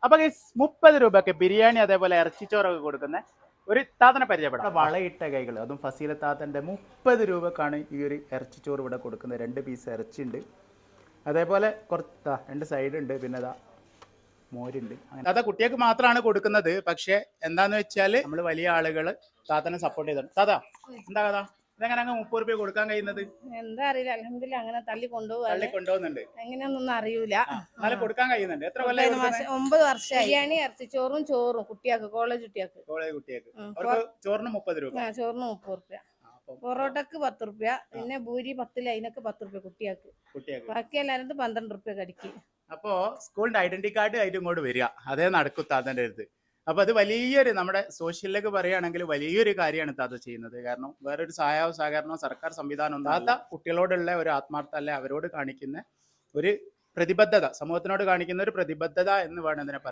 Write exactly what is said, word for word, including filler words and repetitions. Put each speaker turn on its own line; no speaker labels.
അപ്പൊ മുപ്പത് രൂപക്ക് ബിരിയാണി അതേപോലെ ഇറച്ചിച്ചോറൊക്കെ കൊടുക്കുന്ന ഒരു താത്തനെ പരിചയപ്പെടാം. വളയിട്ട കൈകൾ, അതും ഫസീല താത്തൻ്റെ മുപ്പത് രൂപക്കാണ് ഈ ഒരു ഇറച്ചിച്ചോറ് ഇവിടെ കൊടുക്കുന്നത്. രണ്ട് പീസ് ഇറച്ചിയുണ്ട്, അതേപോലെ കുറച്ച് രണ്ട് സൈഡ് ഉണ്ട്, പിന്നെ അതാ മോരുണ്ട്. അങ്ങനെ താത്ത കുട്ടികൾക്ക് മാത്രമാണ് കൊടുക്കുന്നത്. പക്ഷെ എന്താന്ന് വെച്ചാൽ നമ്മൾ വലിയ ആളുകൾ താത്തനെ സപ്പോർട്ട് ചെയ്തിട്ടുണ്ട്. താത്ത എന്താ കഥ, ഇതെങ്ങനെ അങ്ങ് മുപ്പത് രൂപ കൊടുക്കാൻ കഴിയുന്നത്?
എന്താ അറിയില്ല, അൽഹംദുലില്ലാ അങ്ങനെ തള്ളി കൊണ്ടുപോകാൻ
തള്ളി കൊണ്ടുപോകുന്നുണ്ട്.
എങ്ങനെയൊന്നും അറിയൂല.
എന്നാലും കൊടുക്കാൻ കഴിയുന്നുണ്ട്. എത്ര കൊല്ലം?
ഒമ്പത് വർഷമായി. ബിരിയാണി ഇറച്ചിച്ചോറും ചോറും കുട്ടിയാക്ക്, കോളേജ് കുട്ടിയാക്ക്
കോളേജ് കുട്ടിയാക്ക് അവർക്ക് ചോറിന് മുപ്പത് രൂപ,
ചോറിന് മുപ്പത് റുപ്യ, പൊറോട്ടക്ക് പത്ത് റുപ്യ, പിന്നെ ഭൂരി പത്തില് അതിനൊക്കെ പത്ത് റുപ്യ കുട്ടിയാക്ക്.
കുട്ടിയാക്ക്
ബാക്കി എല്ലാവരും പന്ത്രണ്ട് റുപ്യ കടിക്ക്.
അപ്പോ സ്കൂളിന്റെ ഐഡന്റി കാർഡ് ആയിട്ട് ഇങ്ങോട്ട് വരിക, അതേ നടക്കും താത്തന്റെ അടുത്ത്. അപ്പൊ അത് വലിയൊരു, നമ്മുടെ സോഷ്യലിലേക്ക് പറയുകയാണെങ്കിൽ വലിയൊരു കാര്യമാണ് താത്ത ചെയ്യുന്നത്. കാരണം വേറൊരു സഹായവും സഹകരണവും സർക്കാർ സംവിധാനം ഒന്നും. താത്ത കുട്ടികളോടുള്ള ഒരു ആത്മാർത്ഥ, അല്ലെ അവരോട് കാണിക്കുന്ന ഒരു പ്രതിബദ്ധത, സമൂഹത്തിനോട് കാണിക്കുന്ന ഒരു പ്രതിബദ്ധത എന്ന് വേണം ഇതിനെ പറയാൻ.